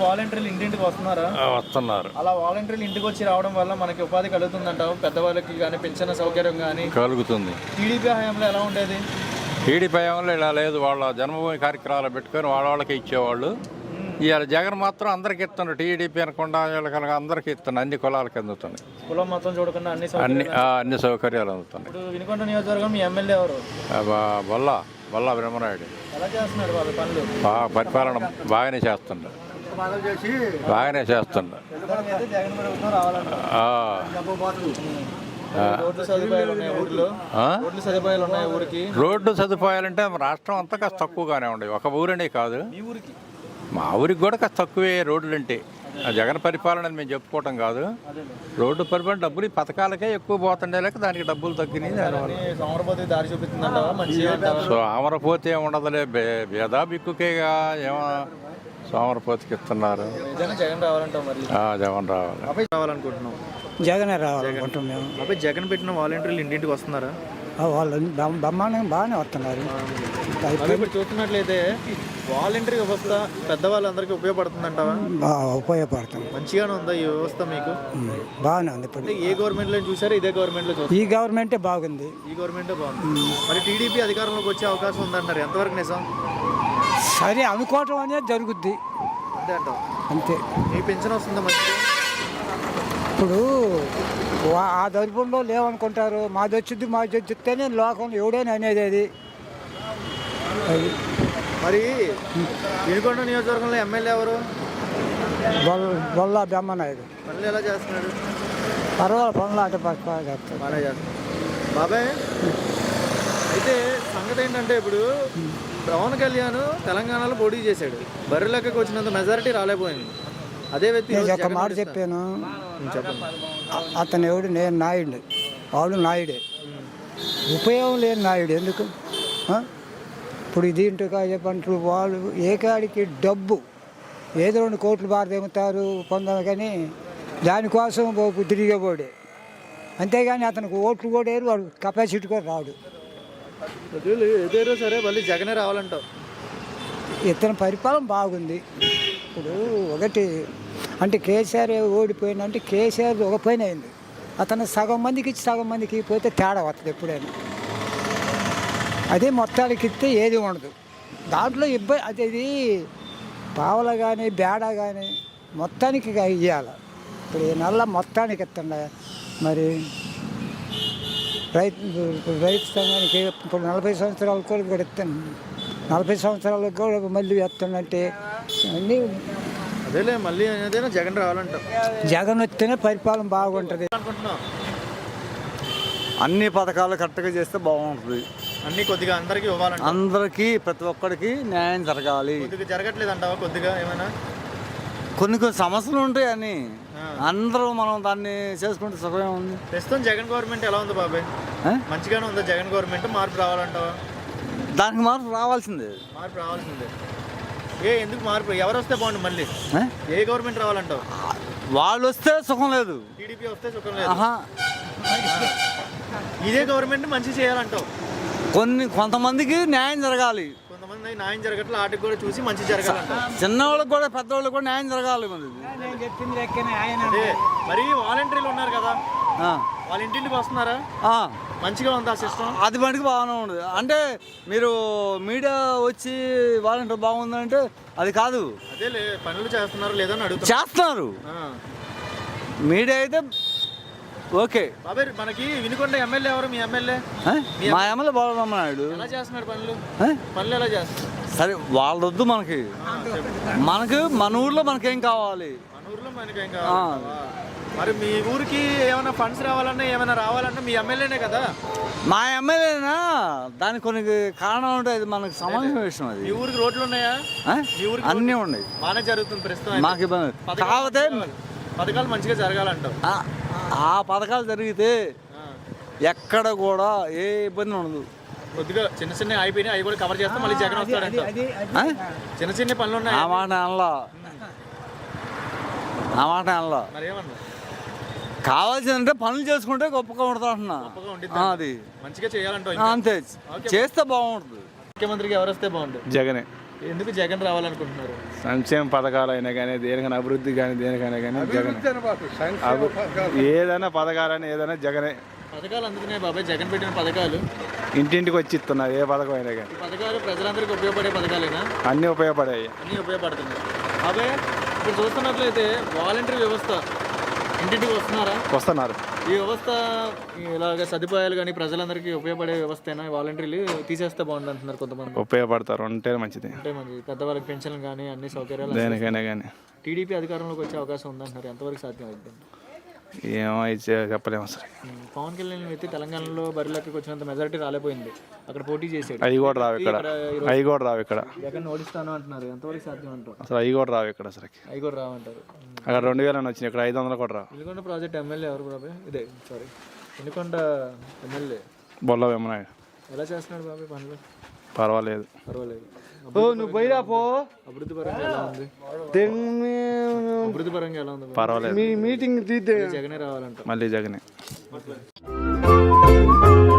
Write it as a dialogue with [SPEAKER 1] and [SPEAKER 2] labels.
[SPEAKER 1] వాలంటీర్లు ఇంటింటికి వస్తున్నారా?
[SPEAKER 2] వస్తున్నారు.
[SPEAKER 1] అలా వాలంటీర్లు ఇంటికి వచ్చి రావడం వల్ల మనకి ఉపాధి కలుగుతుందంటావు? పెద్దవాళ్ళకి కానీ పెన్షన్ సౌకర్యం కానీ
[SPEAKER 2] కలుగుతుంది.
[SPEAKER 1] టీడీపీ హయాంలో ఎలా ఉండేది?
[SPEAKER 2] టీడీపీ హయాంలో ఇలా లేదు. వాళ్ళ జన్మభూమి కార్యక్రమాలు పెట్టుకొని వాళ్ళకి ఇచ్చేవాళ్ళు. ఇవాళ జగన్ మాత్రం అందరికి ఇస్తున్నారు. టీడీపీ అనకుండా వీళ్ళకి అందరికి ఇస్తున్నారు. అన్ని కులాలకి అందుతున్నాయి.
[SPEAKER 1] కులం మొత్తం చూడకుండా
[SPEAKER 2] అన్ని సౌకర్యాలు అందుతున్నాయి.
[SPEAKER 1] ఇప్పుడు వినుకొండ నియోజకవర్గం మీ ఎమ్మెల్యే ఎవరు?
[SPEAKER 2] బొల్లా బ్రహ్మనాయుడు.
[SPEAKER 1] ఎలా చేస్తున్నాడు వాళ్ళ పనులు?
[SPEAKER 2] పరిపాలన బాగానే చేస్తున్నాడు.
[SPEAKER 1] జగన్ ప్రభుత్వం రావాలంటారు. రోడ్లు సదుపాయాలు ఉన్నాయి ఊరిలో? రోడ్లు సదుపాయాలు ఉన్నాయి ఊరికి?
[SPEAKER 2] రోడ్డు సదుపాయాలంటే రాష్ట్రం అంతా కాస్త తక్కువగానే ఉండవు. ఒక ఊరనే కాదు,
[SPEAKER 1] మీ ఊరికి
[SPEAKER 2] మా ఊరికి కూడా కాస్త తక్కువే రోడ్లు అంటే. జగన్ పరిపాలన మేము చెప్పుకోవటం కాదు. రోడ్డు పరిపాలన డబ్బులు పథకాలకే ఎక్కువ పోతుండే లేక దానికి డబ్బులు తగ్గినాయి.
[SPEAKER 1] సోమరపోతే దారి చూపిస్తుందంటావా? మంచిగా
[SPEAKER 2] సోమరపోతే ఉండదులే, భేదా బిక్కుకేగా. ఏమో సోమరపోతికి ఇస్తున్నారు.
[SPEAKER 1] జగన్ రావాలంటావు? మరి
[SPEAKER 2] జగన్
[SPEAKER 1] రావాలనుకుంటున్నాం.
[SPEAKER 3] జగనే రావాలనుకుంటున్నాం మేము.
[SPEAKER 1] అబ్బాయి జగన్ పెట్టిన వాలంటీర్లు ఇంటింటికి వస్తున్నారా?
[SPEAKER 3] వాళ్ళు బ్రహ్మాండంగా బాగానే వస్తున్నారు.
[SPEAKER 1] ఇప్పుడు చూస్తున్నట్లయితే వాలంటీర్ వ్యవస్థ పెద్దవాళ్ళందరికీ ఉపయోగపడుతుందంటావా?
[SPEAKER 3] ఉపయోగపడుతుంది.
[SPEAKER 1] మంచిగానే ఉందా ఈ వ్యవస్థ మీకు?
[SPEAKER 3] బాగానే ఉంది. ఇప్పుడు
[SPEAKER 1] ఏ గవర్నమెంట్ లో చూసారు? ఇదే గవర్నమెంట్ లో చూసారు?
[SPEAKER 3] ఈ గవర్నమెంటే బాగుంది.
[SPEAKER 1] ఈ గవర్నమెంటే బాగుంది. మరి టీడీపీ అధికారంలోకి వచ్చే అవకాశం ఉందంటారు, ఎంతవరకు నిజం?
[SPEAKER 3] సరే అనుకోవటం అనేది జరుగుద్ది
[SPEAKER 1] అంతే అంటావు?
[SPEAKER 3] అంతే.
[SPEAKER 1] ఏ పెన్షన్ వస్తుందా మంచిగా?
[SPEAKER 3] ఇప్పుడు ఆ దరిపంలో లేవనుకుంటారు. మాది వచ్చిస్తేనే లోకం ఎవడైనా అనేది అది.
[SPEAKER 1] మరి వినుకొండ నియోజకవర్గంలో ఎమ్మెల్యే ఎవరు?
[SPEAKER 3] బొల్లా బ్రహ్మనాయుడు.
[SPEAKER 1] పనులు ఎలా చేస్తున్నాడు?
[SPEAKER 3] పర్వాలేదు, పనులు ఆట చేస్తాడు.
[SPEAKER 1] బాగా చేస్తాడు. బాబాయ్ అయితే సంగతి ఏంటంటే, ఇప్పుడు పవన్ కళ్యాణ్ తెలంగాణలో పోటీ చేశాడు. బర్రె లెక్కకు వచ్చినంత మెజారిటీ రాలేకపోయింది. అదే వ్యక్తి
[SPEAKER 3] ఒక మాట చెప్పాను.
[SPEAKER 1] చెప్పండి.
[SPEAKER 3] అతను ఎవడు? నేను నాయుడు, వాడు నాయుడే. ఉపయోగం లేని నాయుడు ఎందుకు? ఇప్పుడు దీంట్లో చెప్పంటారు వాళ్ళు ఏకాడికి డబ్బు ఏదో 2 కోట్లు బారదేముతారు పొందాలి, కానీ దానికోసం తిరిగేవాడే. అంతేగాని అతనికి ఓట్లు కూడా వేరు, వాడు కెపాసిటీ కూడా రాడు.
[SPEAKER 1] ఏదేరో సరే, మళ్ళీ జగనే రావాలంటావు?
[SPEAKER 3] ఇతని పరిపాలన బాగుంది. ఇప్పుడు ఒకటి అంటే కేసీఆర్ ఓడిపోయిందంటే కేసీఆర్ ఒక పని అయింది. అతను సగం మందికి ఇచ్చి సగం మందికి పోతే తేడా వస్తుంది ఎప్పుడైనా. అదే మొత్తానికి ఇస్తే ఏది ఉండదు. దాంట్లో ఇబ్బంది అది పావల కానీ బేడ కానీ మొత్తానికి ఇవ్వాలి. ఇప్పుడు ఈ నెల మొత్తానికి ఇస్తుండ. మరి రైతు సంఘానికి ఇప్పుడు 40 సంవత్సరాలకు కూడా ఇస్తాను. 40 సంవత్సరాలకు కూడా మళ్ళీ ఇస్తానంటే అన్నీ
[SPEAKER 1] అదేలే. మళ్ళీ ఏదైనా జగన్ రావాలంటాం.
[SPEAKER 3] జగన్ వస్తేనే పరిపాలన బాగుంటుంది
[SPEAKER 1] అనుకుంటున్నాం.
[SPEAKER 4] అన్ని పథకాలు కరెక్ట్గా చేస్తే బాగుంటుంది.
[SPEAKER 1] అన్ని కొద్దిగా అందరికీ ఇవ్వాలంట.
[SPEAKER 4] అందరికీ ప్రతి ఒక్కరికి న్యాయం జరగాలి.
[SPEAKER 1] కొద్దిగా జరగట్లేదు అంటావా? కొద్దిగా ఏమైనా
[SPEAKER 4] కొన్ని సమస్యలు ఉంటాయి. అని అందరూ మనం దాన్ని చేసుకుంటే సుఖమే ఉంది.
[SPEAKER 1] ప్రస్తుతం జగన్ గవర్నమెంట్ ఎలా ఉంది బాబాయ్? మంచిగానే ఉందా జగన్ గవర్నమెంట్? మార్పు రావాలంటావా?
[SPEAKER 4] దానికి మార్పు రావాల్సిందే.
[SPEAKER 1] మార్పు రావాల్సిందే. ఎందుకు మార్పు? ఎవరు వస్తే బాగుండు? మళ్ళీ ఏ గవర్నమెంట్ రావాలంటావు?
[SPEAKER 4] వాళ్ళు వస్తే సుఖం లేదు,
[SPEAKER 1] టీడీపీ వస్తే సుఖం లేదు. ఇదే గవర్నమెంట్ మంచి చేయాలంటావు?
[SPEAKER 4] కొంతమందికి న్యాయం జరగాలి.
[SPEAKER 1] కొంతమంది న్యాయం జరగట్లేదు. వాటికి కూడా చూసి మంచి జరగాలంటావు?
[SPEAKER 4] చిన్నవాళ్ళకి కూడా పెద్దవాళ్ళకి కూడా న్యాయం జరగాలి.
[SPEAKER 1] మరి వాలంటీర్లు ఉన్నారు కదా, వాళ్ళ ఇంటింటికి వస్తున్నారా? మంచిగా ఉంది ఆ సిస్టమ్?
[SPEAKER 4] అది మటుకు బాగానే ఉంది. అంటే మీరు మీడియా వచ్చి వాలంటీర్ బాగుందంటే అది కాదు.
[SPEAKER 1] అదే పనులు చేస్తున్నారు లేదని అడుగుతారు.
[SPEAKER 4] చేస్తున్నారు. మీడియా అయితే ఓకే.
[SPEAKER 1] బాబాయ్ మనకి వినుకొండ ఎమ్మెల్యే ఎవరు? మీ ఎమ్మెల్యే?
[SPEAKER 4] మా ఎమ్మెల్యే బాలరామనాయుడు.
[SPEAKER 1] ఎలా చేస్తున్నాడు పనులు? పనులు ఎలా చేస్తున్నారు?
[SPEAKER 4] సరే వాళ్ళొద్దు మనకి. మన ఊర్లో మనకేం కావాలి?
[SPEAKER 1] మన ఊర్లో మనకేం కావాలి? మరి మీ ఊరికి ఏమైనా ఫండ్స్ రావాలన్నా ఏమైనా రావాలన్నా మీ ఎమ్మెల్యేనే కదా?
[SPEAKER 4] మా ఎమ్మెల్యేనా? దానికి కొన్ని కారణాలు ఉంటాయి. అది మనకు సంబంధించిన విషయం. అది
[SPEAKER 1] మీ ఊరికి రోడ్లు ఉన్నాయా? మీ ఊరికి
[SPEAKER 4] అన్నీ ఉన్నాయి.
[SPEAKER 1] బాగానే జరుగుతుంది ప్రస్తుతం.
[SPEAKER 4] మాకు ఇబ్బంది కాకపోతే
[SPEAKER 1] పథకాలు మంచిగా జరగాలంటావు?
[SPEAKER 4] ఆ పథకాలు జరిగితే ఎక్కడ కూడా ఏ ఇబ్బంది ఉండదు.
[SPEAKER 1] కొద్దిగా చిన్న చిన్న అయిపోయినాయి, అవి కూడా కవర్ చేస్తాం. మళ్ళీ జగన్ వస్తాడంట. చిన్న చిన్న పనులు ఉన్నాయి.
[SPEAKER 4] ఆ మాట అనలా.
[SPEAKER 1] మరి ఏమన్నా
[SPEAKER 4] కావాల్సిందంటే పనులు చేసుకుంటే గొప్పగా ఉంటుంది అంటున్నా. అది
[SPEAKER 1] మంచిగా చేయాలంటావు?
[SPEAKER 4] అంతే, చేస్తే బాగుంటుంది.
[SPEAKER 1] ముఖ్యమంత్రికి ఎవరు వస్తే బాగుంటుంది?
[SPEAKER 2] జగనే.
[SPEAKER 1] ఎందుకు జగన్ రావాలనుకుంటున్నారు?
[SPEAKER 5] సంక్షేమ పథకాలు అయినా కానీ దేనికైనా అభివృద్ధి కానీ దేనికైనా కానీ జగన్ ఏదైనా పథకాలని ఏదైనా జగనే.
[SPEAKER 1] పథకాలు అందుకునే బాబాయ్ జగన్ పెట్టిన పథకాలు
[SPEAKER 5] ఇంటింటికి వచ్చి ఇస్తున్నారు ఏ పథకం అయినా కానీ.
[SPEAKER 1] ఈ పథకాలు ప్రజలందరికీ ఉపయోగపడే పథకాలేనా?
[SPEAKER 5] అన్నీ ఉపయోగపడాయి.
[SPEAKER 1] అన్నీ ఉపయోగపడుతున్నాయి. బాబాయ్ ఇప్పుడు చూస్తున్నట్లయితే వాలంటీర్ వ్యవస్థ ఇంటింటికి
[SPEAKER 5] వస్తున్నారు.
[SPEAKER 1] ఈ వ్యవస్థ ఇలాగ సదుపాయాలు కానీ ప్రజలందరికీ ఉపయోగపడే వ్యవస్థ వాలంటీర్లు తీసేస్తే బాగుంది అంటున్నారు కొంతమంది.
[SPEAKER 5] ఉపయోగపడతారు ఉంటే మంచిది.
[SPEAKER 1] అంటే మంచి పెద్దవాళ్ళకి పెన్షన్లు కానీ అన్ని సౌకర్యాలు
[SPEAKER 5] దేనికైనా కానీ.
[SPEAKER 1] టీడీపీ అధికారంలోకి వచ్చే అవకాశం ఉందంటున్నారు. ఎంతవరకు సాధ్యం అవుతుంది?
[SPEAKER 5] ఏమో ఇచ్చే చెప్పలేము అసలు.
[SPEAKER 1] పవన్ కళ్యాణ్ వ్యక్తి తెలంగాణలో బరిలోకి వచ్చినంత మెజారిటీ రాలేపోయింది. అక్కడ పోటీ చేశాడు.
[SPEAKER 5] అవి కూడా రావు ఇక్కడ.
[SPEAKER 1] జగన్ ఓడిస్తాను అంటున్నారు. ఎంతవరకు సాధ్యం అంటారు?
[SPEAKER 5] అసలు అవి కూడా రావు ఇక్కడ. అసలు
[SPEAKER 1] అవి కూడా రావంటారు.
[SPEAKER 5] అక్కడ 2000 వచ్చినాయి, ఇక్కడ 500 కూడా రావు.
[SPEAKER 1] వినుకొండ ప్రాజెక్ట్ ఎమ్మెల్యే ఎవరు బాబాయ్? వినుకొండ ఎమ్మెల్యే
[SPEAKER 5] బొల్ల వెమ్మనాయుడు.
[SPEAKER 1] ఎలా చేస్తున్నాడు బాబాయ్ పనులు?
[SPEAKER 5] పర్వాలేదు.
[SPEAKER 4] నువ్వు పోయిరా పో.
[SPEAKER 1] అభివృద్ధి పరంగా ఎలా ఉంది? అభివృద్ధి పరంగా ఎలా ఉంది?
[SPEAKER 5] పర్వాలేదు.
[SPEAKER 4] మీటింగ్ తీద్దే
[SPEAKER 1] జగనే రావాలంట.
[SPEAKER 5] మళ్ళీ జగనే.